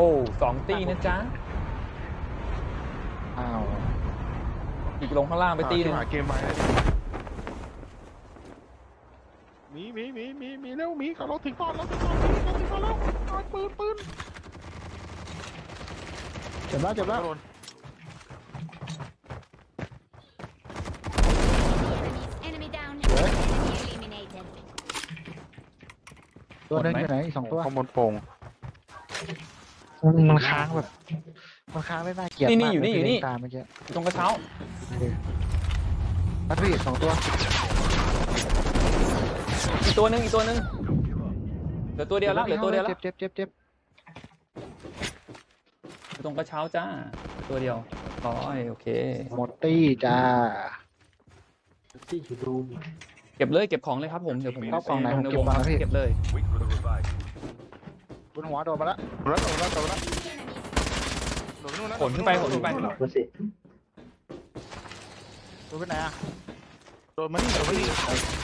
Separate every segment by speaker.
Speaker 1: อ้2 ตีนะจ๊ะ
Speaker 2: อ้าว
Speaker 1: อีกลงข้างล่างไปตีหนึ่ง
Speaker 3: หาเกมไปมีเร็วมีเขาเราถึงก่อนเราถึงก่อนแล้วปืน
Speaker 2: เจ็บแล้ว
Speaker 4: Enemy down. Enemy eliminated.
Speaker 2: ตัวหนึงอยู่ไหนอีก2 ตัว
Speaker 3: ข้างบนโป่ง
Speaker 2: มันค้างแบบมันค้างได้น่าเกลียดมาก
Speaker 1: นี่อยู่นี่
Speaker 2: ตามเมื่อกี้
Speaker 1: ตรงกระเช้า
Speaker 2: นัดพี่2 ตัว
Speaker 1: อีกตัวหนึ่งเหลือตัวเดียวแล้ว
Speaker 2: เจ็บ
Speaker 1: ตรงกระเช้าจ้าตัวเดียวร้อยโอเค
Speaker 2: หมดตี้จ้า
Speaker 1: เก็บเลยเก็บของเลยครับผมเดี๋ยวผม
Speaker 2: เข้ากล่องไหนผม
Speaker 1: ใน
Speaker 2: เก็
Speaker 1: ว
Speaker 2: บ
Speaker 1: ง
Speaker 2: มาแล้วพี่
Speaker 1: เก็บเลย
Speaker 2: บนหัวโดนมาแล้ว
Speaker 3: แล้วโดนนู่นแล้ว
Speaker 1: ขนขึ้นไป
Speaker 2: โดนไปไหนอ่ะ
Speaker 3: โดนมานี่
Speaker 4: Eliminated.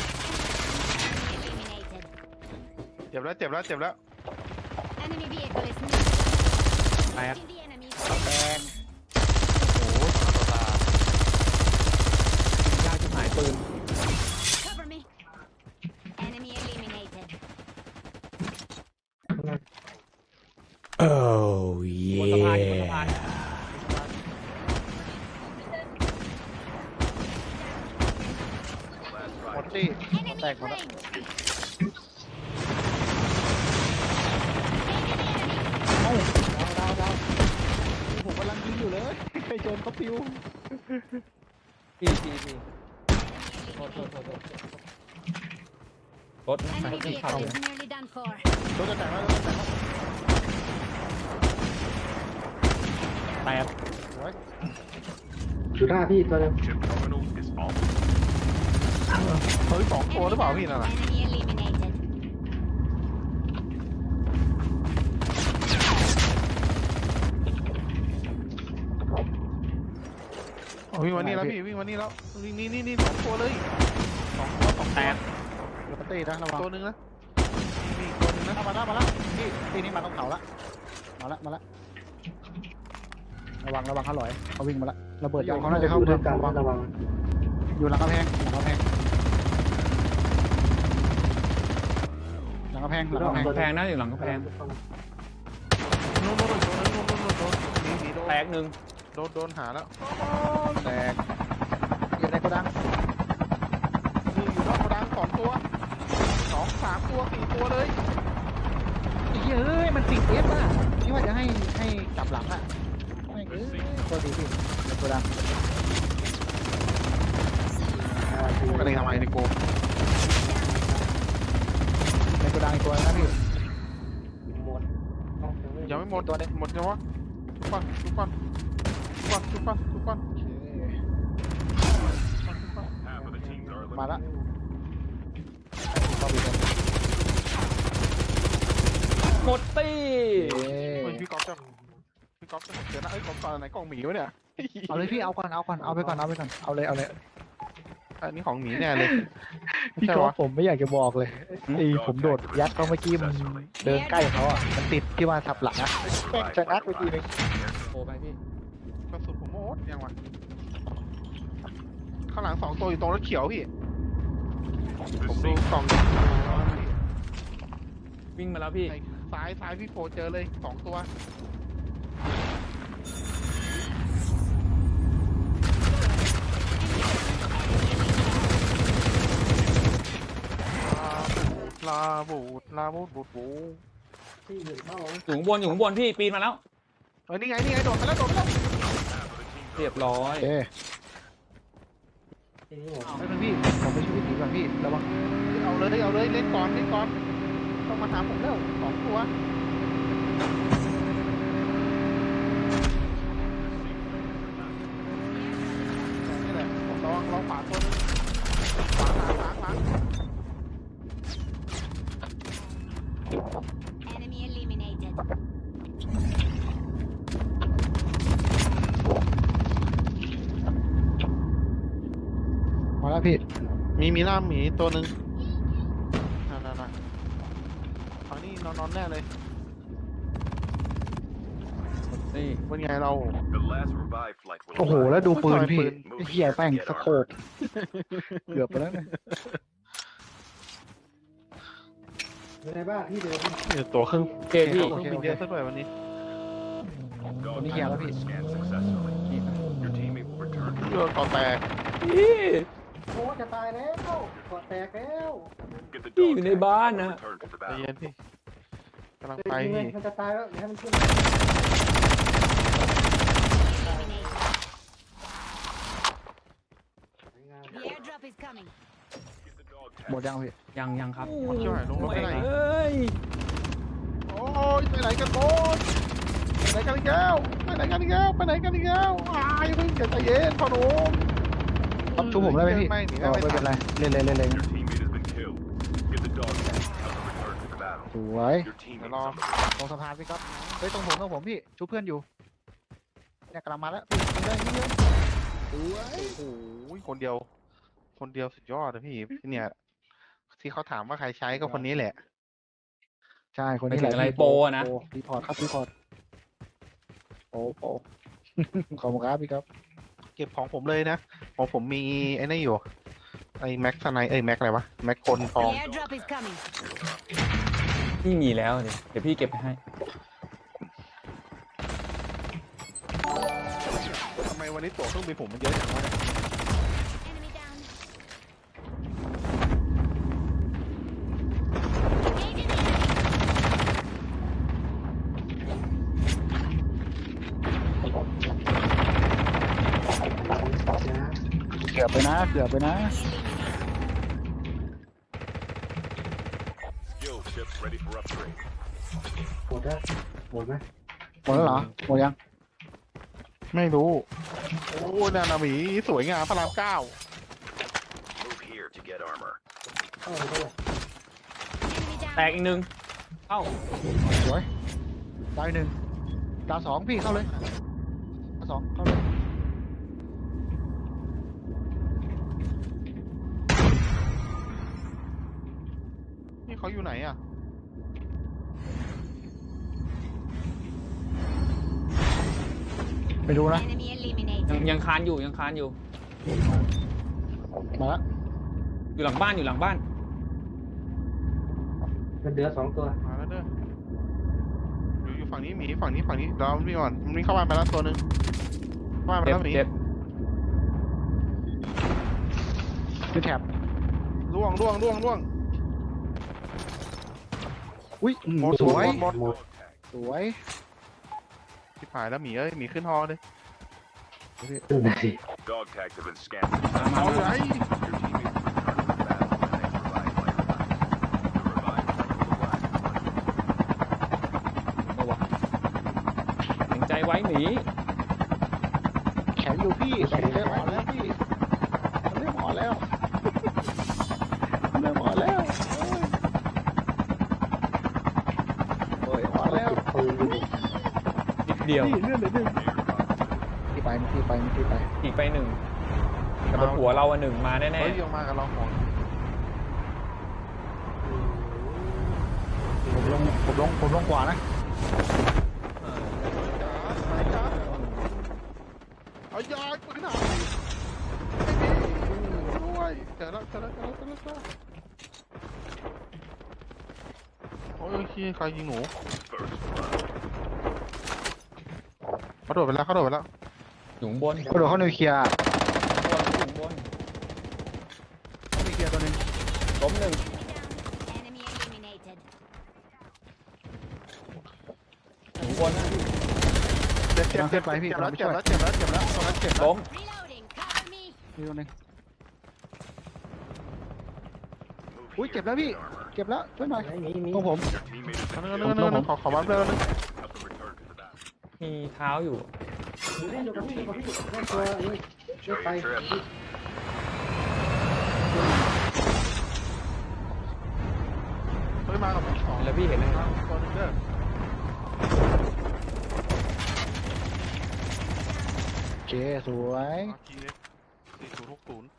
Speaker 3: เจ็บแล้ว
Speaker 4: Enemy vehicle is near.
Speaker 2: แตก
Speaker 4: The enemy.
Speaker 2: แตก
Speaker 3: โอ้โหต่อตาย
Speaker 1: ากจะหายปืน
Speaker 4: Cover me. Enemy eliminated.
Speaker 1: บนสะพานอยู่บนสะพาน
Speaker 2: หมดตี้
Speaker 4: Enemy
Speaker 2: แตกหมดแล้ว
Speaker 4: flanked.
Speaker 2: เอ้าดาวผมกำลังยิงอยู่เลยไปโจนเขาปิว
Speaker 1: พี่รถ
Speaker 4: Enemy
Speaker 1: ขึ้นเขา
Speaker 4: vehicle is nearly done for.
Speaker 2: รถจะแตกแล้ว
Speaker 1: แตก
Speaker 5: อยู่หน้าพี่ตัวนึง
Speaker 3: เฮ้ย2 ตัวหรือเปล่าพี่นั่นน่ะ
Speaker 4: Enemy eliminated.
Speaker 3: วิ่งมานี่แล้วพี่วิ่งมานี่แล้วนี่2 ตัวเลย2
Speaker 1: แตก
Speaker 2: รถตี้นะระวัง
Speaker 3: ตัวนึงนะมีอีกตัวนึงนะ
Speaker 2: มาแล้วนี่ตีนี้มาตรงเขาละมาละระวังเขาหลอยเขาวิ่งมาละระเบิดยางเขาน่าจะเข้า
Speaker 5: ด้
Speaker 2: เมื
Speaker 5: ว
Speaker 2: อย ง
Speaker 5: กัน
Speaker 2: ระวัง
Speaker 5: ระวัง
Speaker 2: อยู่หลังกำแพงหลังกำแพง
Speaker 1: กำแพงนะอยู่หลังกำแพง
Speaker 3: นู่นตัวนึงนี่โดน
Speaker 1: แตกหนึ่ง
Speaker 3: โดนหาแล้ว
Speaker 2: แตกอยู่ในโกดัง
Speaker 3: นี่อยู่นอกกระดัง2 ตัว2 3 ตัว 4 ตัวเลย
Speaker 2: เฮ้ยมันติดเอฟอ่ะที่ว่าจะให้จับหลังอ่ะไม่ตัวดีพี่ในโกดัง
Speaker 3: อะไรทำไมในโก
Speaker 2: ในโกดังอีกตัวนะพี่
Speaker 5: หมด
Speaker 3: ยังไม่หมดหมดยังวะทุกคน
Speaker 2: มาละ
Speaker 1: หมดตี้
Speaker 3: เฮ้ยพี่ก๊อฟจะเดี๋ยวนะไอ้กล่องตอนไหนกล่องหมีวะเนี่ย
Speaker 2: เอาเลยพี่เอาไปก่อนเอาเลย
Speaker 3: อันนี้ของหมีแน่เลย
Speaker 2: พี่
Speaker 3: ใช่
Speaker 2: ก็
Speaker 3: วะ
Speaker 2: ผมไม่อยากจะบอกเลยไอ้ผมโดดยัดเขาเมื่อกี้มันเดินใกล้เขาอ่ะมันติดที่ว่าทับหลังอ่ะแม่งชะงักไปทีนึง
Speaker 1: โอ้ไปพี่
Speaker 3: กระสุนผมหมดยังวะข้างหลัง2 ตัวอยู่ตรงรถเขียวพี่ผมดูกล่อง
Speaker 1: วิ่งมาแล้วพี่
Speaker 3: ซ้ายพี่โฟเจอเลย2 ตัวลาบูด
Speaker 5: ที่อยู่นอก
Speaker 1: อยู่ข้างบนพี่ปีนมาแล้ว
Speaker 3: นี่ไงโดดไปแล้ว
Speaker 1: เรียบร้อย
Speaker 2: โอเค
Speaker 5: ที่นี่หมด
Speaker 2: ไม่เป็นพี่ผมไปช่วยพี่ก่อนพี่ระวัง
Speaker 3: เอาเลยเล่นก่อนต้องมาหาผมแล้ว2 ตัวนี่แหละผมลองขวาตัวนึงขวา
Speaker 4: Enemy eliminated.
Speaker 2: มาแล้วพี่
Speaker 3: มีล่ามหมีตัวหนึ่งนั่นฝั่งนี้นอนแน่เลย
Speaker 1: นี่
Speaker 3: เป็นไงเรา
Speaker 2: โอ้โหแล้วดูปืนพี่
Speaker 3: ปืน
Speaker 2: ไอ้เหี้ยแป้งสะโคบเกือบไปแล้วเนี่ย
Speaker 5: อยู่ในบ้านที่เดิม
Speaker 3: เนี่ยตัวเครื่อง
Speaker 1: โอเคพี่
Speaker 3: เครื่องบินเยอะซะด้วยวันนี้
Speaker 2: ตัวนี้เคลียร์แล้วพี่
Speaker 1: นี่ครับ
Speaker 3: เรื่องก่อแตก
Speaker 1: พี่
Speaker 5: โอ้จะตายแล้วกอดแตกแล้ว
Speaker 1: พี่อยู่ในบ้านนะ
Speaker 3: ใจเย็นพี่กำลัง
Speaker 5: ไป
Speaker 3: ไป
Speaker 5: ยิงเลย
Speaker 3: พี่
Speaker 5: มันจะตายแล้วเดี๋ยวให้มันขึ้น
Speaker 4: Eliminated. The airdrop is coming.
Speaker 2: หมดยังพี่
Speaker 1: ยังครับ
Speaker 3: ช่วยลงรถไปไหน
Speaker 1: เอ้ย
Speaker 3: โอ้ยไปไหนกันโบ๊ทไปไหนกันอีกแล้วไปไหนกันอีกแล้วไปไหนกันอีกแล้วอย่าเพิ่งใจเย็นพ่อหนุ่ม
Speaker 2: รับชูผมได้ไหมพี่
Speaker 3: ไม่หนี
Speaker 2: อ๋อ
Speaker 3: ไม่
Speaker 2: ไม่เป็นไรเล่นเลยสวย
Speaker 3: เดี๋ยวรอ
Speaker 2: ตรงสะพานพี่ครับเฮ้ยตรงผมพี่ชูเพื่อนอยู่เนี่ยกำลังมาแล้วพี่ยิงเลยยิงเลยสวย
Speaker 3: โอ้โหคนเดียวสุดยอดนะพี่เนี่ยที่เขาถามว่าใครใช้ก็คนนี้แหละ
Speaker 2: ใช่คนนี้แหละ
Speaker 1: ไม่ถึงอะไร
Speaker 2: พี่
Speaker 1: โปรอะนะ
Speaker 2: รีพอร์ตครับรีพอร์ตโป ขอบคุณครับพี่ครับ
Speaker 3: เก็บของผมเลยนะของผมมีไอ้นี่อยู่ไอ้แม็กซ์ไนแม็กอะไรวะแม็กคนทอง
Speaker 4: The airdrop is coming.
Speaker 1: พี่มีแล้วเดี๋ยวพี่เก็บไปให้
Speaker 3: ทำไมวันนี้ตั๋วเครื่องบินผมมันเยอะจังวะเนี่ย
Speaker 4: Enemy down. Engaging the enemy.
Speaker 2: เกือบไปนะเกือบไปนะ
Speaker 5: หมดแล้วหมดไหม
Speaker 2: หมดแล้วเหรอหมดยัง
Speaker 3: ไม่รู้โอ้นานาหมีสวยงามพระรามเก้า
Speaker 5: เข้าไปเข้าไป
Speaker 4: Enemy
Speaker 1: แต
Speaker 4: down.
Speaker 1: กอีกหนึ่งเข้า
Speaker 2: สวยดาวหนึ่งดาวสองพี่เข้าเลยดาวสองเข้าเลย
Speaker 3: นี่เขาอยู่ไหนอ่ะ
Speaker 2: ไปดูนะ
Speaker 4: Enemy
Speaker 1: ยัง
Speaker 4: eliminated.
Speaker 1: ยังคานอยู่
Speaker 2: มาแล้ว
Speaker 1: อยู่หลังบ้าน
Speaker 5: มันเหลือ2 ตัว
Speaker 3: มาแล้วเด้ออยู่ฝั่งนี้หมีฝั่งนี้เราพี่ก่อนมันมีเข้าบ้านไปแล้วตัวหนึงเข้าบ้านไป
Speaker 1: เจ็บ
Speaker 3: แล้วหมี
Speaker 1: เจ็บ
Speaker 2: คือแถบ
Speaker 3: ล่วง
Speaker 2: อุ้ย
Speaker 3: หมด
Speaker 2: สวย
Speaker 3: หมด
Speaker 5: หมด
Speaker 2: สวย
Speaker 3: ที่ผายแล้วหมีเอ้ยหมีขึ้นฮอเลย
Speaker 5: ขึ้นไปสิ
Speaker 6: Dog tags have been scanned.
Speaker 1: มา
Speaker 3: เอาอยู่ไหน
Speaker 6: Your teammates will return to the battle when they provide flight support. The revived flight will arrive.
Speaker 1: ตัวแข็งใจไว้หนี
Speaker 2: แข็งอยู่พี่แต่เริ่มอ่อนแล้วพี่มันเริ่มอ่อนแล้วมันเริ่มอ่อนแล้วโอ้ยอ่อนแล้ว
Speaker 5: ปืนอยู่
Speaker 1: นิดเดียว
Speaker 2: พี่เลื่อนเลยหนึ่งที่ไปที่ไป
Speaker 1: อีกไปหนึ่งแต่บนหัวเราหนึ่งมาแน่
Speaker 3: เฮ้ยยังมากับเราหมด
Speaker 2: ผมลงกว่านะ
Speaker 1: ๆ
Speaker 3: เอายาปืนหาด้วยเจอแล้วโอ้ยใครยิงหนู
Speaker 6: First blood.
Speaker 3: เขาโดดไปแล้ว
Speaker 1: อยู่ข้างบน
Speaker 2: กระโดดเข้านิวเคลียร์
Speaker 1: อยู่ข้างบน
Speaker 2: นิวเคลียร์ตัวหนึง
Speaker 1: ล้มหนึ่ง
Speaker 4: Enemy eliminated.
Speaker 1: อยู่ข้างบนนะ
Speaker 3: เจ็บแล้วเจ็บแล้วตรงนั้นเจ็บแล้ว
Speaker 1: ล้ม
Speaker 4: Reloading. Cover me.
Speaker 2: นี่ตัวหนึง
Speaker 6: Move
Speaker 2: อุ้ย
Speaker 6: here
Speaker 2: เจ็บแล้วพี่
Speaker 6: to get armor.
Speaker 2: เจ็บแล้วช่วยหน่อย
Speaker 5: ไหนมี
Speaker 2: ของผม
Speaker 6: Your teammate is
Speaker 3: นึงขอบัฟเลยนึง
Speaker 6: help them return to the battle.
Speaker 1: มีเท้าอยู่
Speaker 5: อยู่กับพี่เล่นตัวนี้เลือก
Speaker 6: Enjoy
Speaker 5: ไป
Speaker 6: your trip.
Speaker 3: เฮ้ยมากับสอง
Speaker 1: แล้วพี่เห็นเลย
Speaker 3: ตัวนึงเด้อ
Speaker 2: โอเคสวย
Speaker 3: ทีเล็ก4060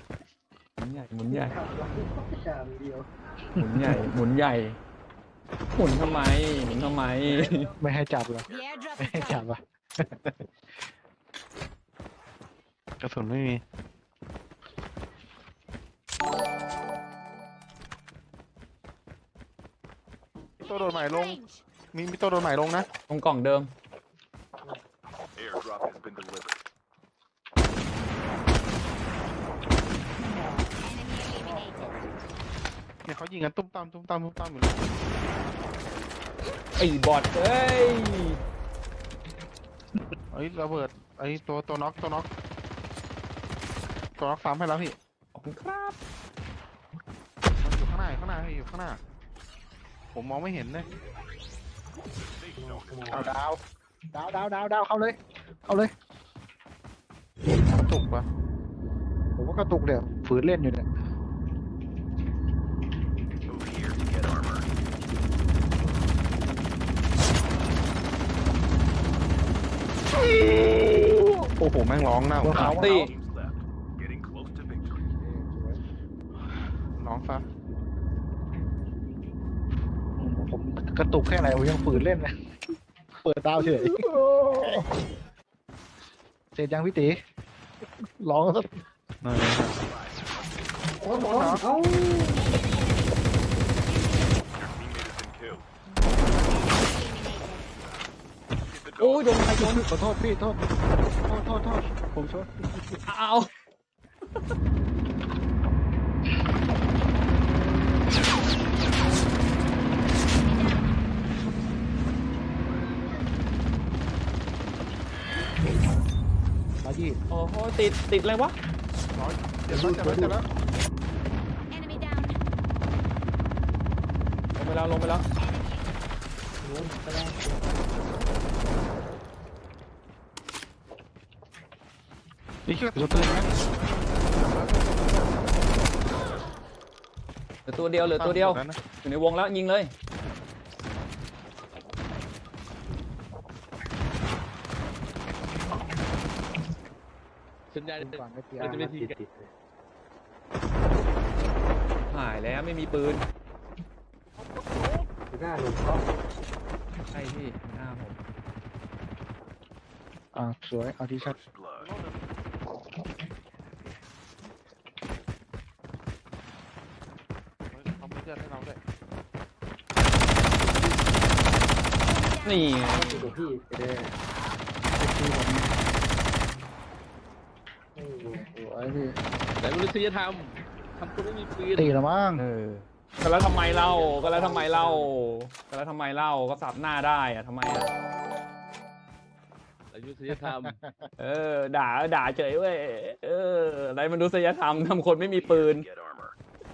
Speaker 1: หมุนใหญ่
Speaker 5: จานเดียว
Speaker 1: หมุนใหญ่หมุนทำไมหมุนทำไม
Speaker 2: ไม่ให้จับเหรอ
Speaker 4: The airdrop
Speaker 2: ไม่
Speaker 4: is
Speaker 2: ให้จับ
Speaker 4: coming.
Speaker 2: อ่ะ
Speaker 3: กระสุนไม่มีตัวโดนใหม่ลง
Speaker 4: Range.
Speaker 3: มีตัวโดนใหม่ลงนะ
Speaker 1: ตรงกล่องเดิม
Speaker 6: Airdrop has been delivered.
Speaker 4: Enemy eliminated.
Speaker 3: เนี่ยเขายิงกันตุ้มตามตุ้มตามตุ้มตามอยู่เลย
Speaker 1: ไอ้บอทเอ้ย
Speaker 3: ไอ้ระเบิดไอ้ตัวน็อกตัวน็อกซ้ำให้แล้วพี่
Speaker 1: ขอบคุณครับ
Speaker 3: มันอยู่ข้างหน้าพี่อยู่ข้างหน้า ผมมองไม่เห็นเลย
Speaker 2: เอาดาวเข้าเลย
Speaker 3: กระตุกปะ
Speaker 2: ผมว่ากระตุกเดี๋ยวฝืนเล่นอยู่เนี่ย
Speaker 6: Move here to get armor.
Speaker 3: โอ้โหแม่งร้องหน้า
Speaker 1: สามตี
Speaker 6: Teams left. Getting close to victory.
Speaker 3: ร้องซะ
Speaker 2: ผมกระตุกแค่ไหนผมยังฝืนเล่นเลยเปิดดาวเฉยเสร็จยังพี่ตีร้องสัก
Speaker 5: โอ้ยบอลเอ้า
Speaker 6: Your teammate has been killed. Get the
Speaker 1: โอ้ย
Speaker 6: dog.
Speaker 1: โดนใครโดน
Speaker 2: ขอโทษพี่โทษผมชน
Speaker 1: เอา
Speaker 2: มาที่
Speaker 1: โอ้โหติดอะไรวะ
Speaker 3: เจ็บแล้ว
Speaker 4: Enemy down.
Speaker 1: ลงไปแล้ว
Speaker 5: โดนแสดง
Speaker 3: นี่คือตัวปืนนะ
Speaker 1: เหลือตัวเดียวอยู่ในวงแล้วยิงเลย
Speaker 2: สัญญาณก่อนไม่เตีย
Speaker 5: จะไม่ทีติด
Speaker 1: หายแล้วไม่มีปืน
Speaker 5: หน้าหนุ่มเขา
Speaker 1: ใช่พี่หน้าผม
Speaker 2: สวยเอาที่ชัด
Speaker 6: First blood.
Speaker 3: เขาไม่เลือดให้เราด้วย
Speaker 1: นี่ไง
Speaker 5: อยู่กับพี่ไปเลย
Speaker 2: ตีผม
Speaker 5: ไม่รู้
Speaker 2: สวยพี่
Speaker 7: แต่มนุษยธรรมทำคนไม่มีปืน
Speaker 2: ตีละมั้ง
Speaker 1: ก็แล้วทำไมเล่าก็สับหน้าได้อะทำไมอะ
Speaker 7: มนุษยธรรม
Speaker 1: ด่าเฉยเว้ยอะไรมนุษยธรรมทำคนไม่มีปืน
Speaker 6: Get armor.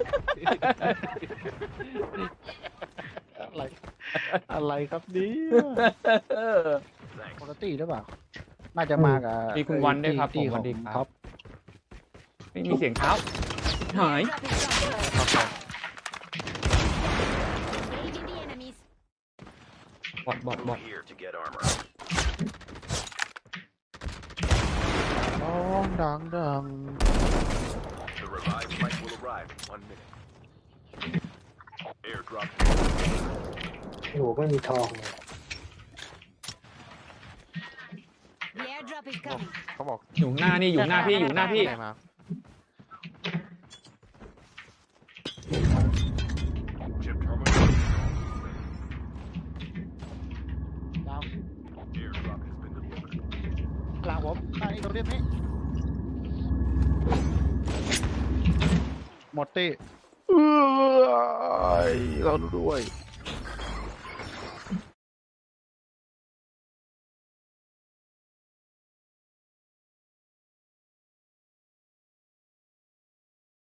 Speaker 2: อะไรครับนี่
Speaker 6: Thanks.
Speaker 2: ปกติหรือเปล่าน่าจะมากับ
Speaker 1: มีคุณวันด้วยครับ
Speaker 2: ที่
Speaker 1: ผม
Speaker 2: ของ
Speaker 1: สวัสดีครับ
Speaker 2: ท็อป
Speaker 1: ไม่มีเสียงเท้าหาย
Speaker 4: Engaging the enemies.
Speaker 1: บอด
Speaker 6: Move here to get armor.
Speaker 3: ดัง
Speaker 6: The revived flight will arrive in 1 minute. Airdrop.
Speaker 5: หนูไม่มีทองเลย
Speaker 4: The airdrop is coming.
Speaker 3: เขาบอก
Speaker 1: อยู่หน้าพี่อยู่หน้าพี่
Speaker 3: ไหนมา
Speaker 6: Chip terminal.
Speaker 2: ดาว
Speaker 6: Airdrop has been delivered.
Speaker 2: กลางผมไอ้ตัวเรียบนี้หมดตีเราด้วย